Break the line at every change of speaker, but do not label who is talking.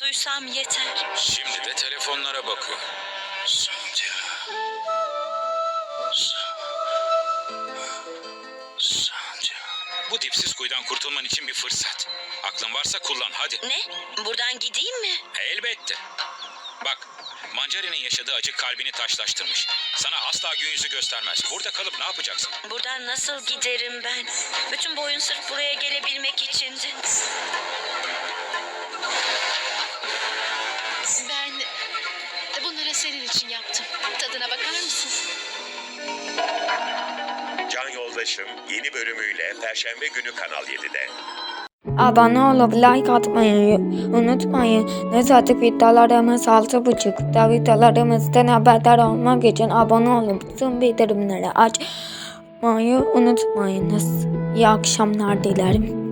duysam yeter.
Şimdi de telefonlara bakıyor.
Sandhya. Sandhya.
Bu dipsiz kuyudan kurtulman için bir fırsat. Aklın varsa kullan hadi.
Ne? Buradan gideyim mi?
Elbette. Bak, Mancari'nin yaşadığı acı kalbini taşlaştırmış. Sana asla gün yüzü göstermez. Burada kalıp ne yapacaksın?
Buradan nasıl giderim ben? Bütün bu oyun sırf buraya gelebilmek içindi.
Ben bunları senin için yaptım. Tadına bakar mısın?
Can Yoldaşım yeni bölümüyle Perşembe günü Kanal 7'de.
Abone olup like atmayı unutmayın. Nezahat videolarımız 6.30'da videolarımızdan haberdar olmak için abone olup tüm bildirimleri açmayı unutmayınız. İyi akşamlar dilerim.